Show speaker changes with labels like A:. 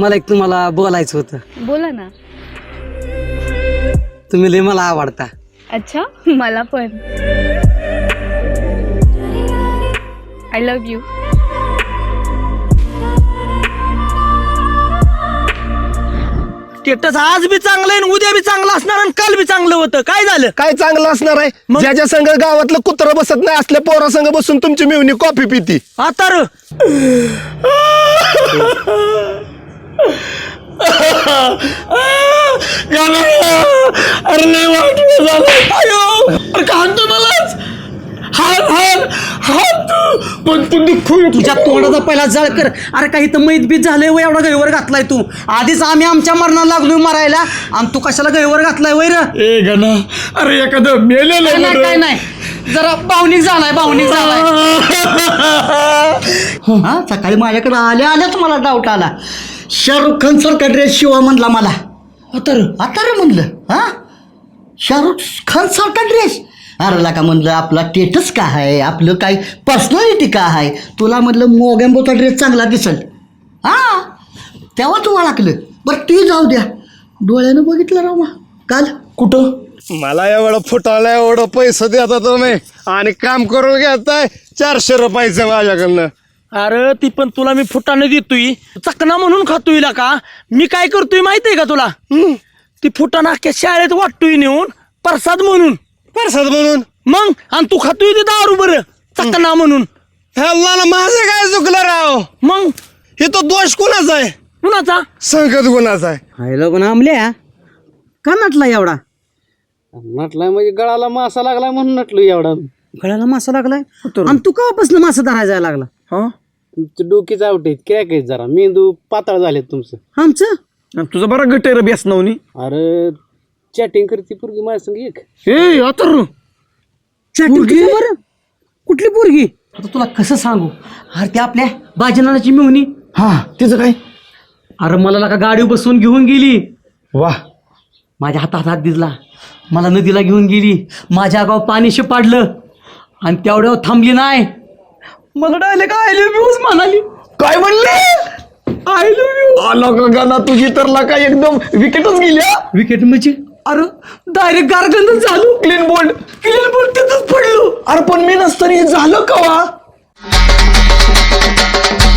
A: मला एक तुम्हाला बोलायचं होतं.
B: बोला ना.
A: तुम्ही लय मला आवडता.
B: अच्छा, मला पण. I love you.
C: स्टेटस आज बी चांगलं आहे उद्या बी चांगलं असणार आणि काल बी चांगलं होतं. काय झालं?
D: काय चांगलं असणार आहे? ज्याच्या संघ गावातलं कुत्र बसत नाही असल्या पोरा संघ बसून तुमची मिवणी कॉफी पिती.
C: आता र
D: अरे लय वाईट झालं.
C: अयो अरे का हाणतो मलाच?
D: पण तू दुःख
C: तुझ्या तोंडाचा पहिला जळ कर. अरे काही तर मैत बीत झालंय वय एवढा गैवर घातलाय तू. आधीच आम्ही आमच्या मरणाला लागलोय मरायला आणि तू कशाला गैवर घातलाय वैर?
D: ए गणा, अरे एखादं मेलेलं
C: काय नाही जरा भावनिक झालाय हा. सकाळी माझ्याकडे आल्याच मला डाऊट आला. शाहरुख खान सारखा ड्रेस शिवा म्हणला मला. आता म्हणलं हा शाहरुख खान सारखा ड्रेस. अरे का म्हणलं आपला स्टेटस काय आहे, आपलं काय पर्सनॅलिटी काय आहे. तुला म्हणलं मोगॅम्बोचा ड्रेस चांगला दिसल हा तेव्हा तू ओळखलं. बरं ते जाऊ द्या. डोळ्यानं बघितलं राव काल कुठं?
D: मला एवढं फुटायला एवढं पैसे देता तुम्ही आणि काम करून घेताय 400 रुपयाचं माझ्याकडनं.
C: अरे ती पण तुला मी फुटाने देतोय चकना म्हणून खातोय का. मी काय करतोय माहितीये का तुला? ती फुटाणा अख्ख्या शाळेत वाटतोय नेऊन प्रसाद म्हणून. मग आणि तू खातोय ते दारू बरं चकना म्हणून.
D: मला माझं काय चुकलं राव?
C: मग
D: हे तो दोष कुणाचा आहे?
C: कुणाचा?
D: संगत गुणाचा आहे.
A: हायला पण आमल्या
C: का नटला एवढा?
A: नटलाय म्हणजे गळाला मासा लागलाय म्हणून नटलो एवढा.
C: गळ्याला मासा लागलाय आणि तू केव्हापासून मासा धरायला लागला? हा
A: तुमचं डोकीच आउट आहेत क्रॅक आहेत जरा मेंदू पातळ झालेत तुमचं.
C: आमचं तुझं बरं गटेर बेस नवनी.
A: अरे चॅटिंग करते पोरगी माझ्या संग एक.
C: ए अतर बरं कुठली पोरगी? आता तुला कसं सांगू. अरे ते आपल्या बाजनाची मिळवणी.
D: हा तिचं काय?
C: अरे मला का गाडी बसवून घेऊन गेली.
D: वा
C: माझ्या हातात दिला. मला नदीला घेऊन गेली. माझ्या गाव पाणी पाडलं आणि तेवढ्यावर थांबली नाही. मला डायरेक्ट आय लव्ह यूच म्हणाली.
D: काय म्हणले?
C: I love you.
D: आला का गाणं तुझी तर लाका एकदम विकेटच गेल्या.
C: विकेट म्हणजे अरे डायरेक्ट गारगंधच झालो.
D: क्लीन बोल्ड
C: तिथंच पडलो.
D: अरे पण मी नसताना हे झालं का वा?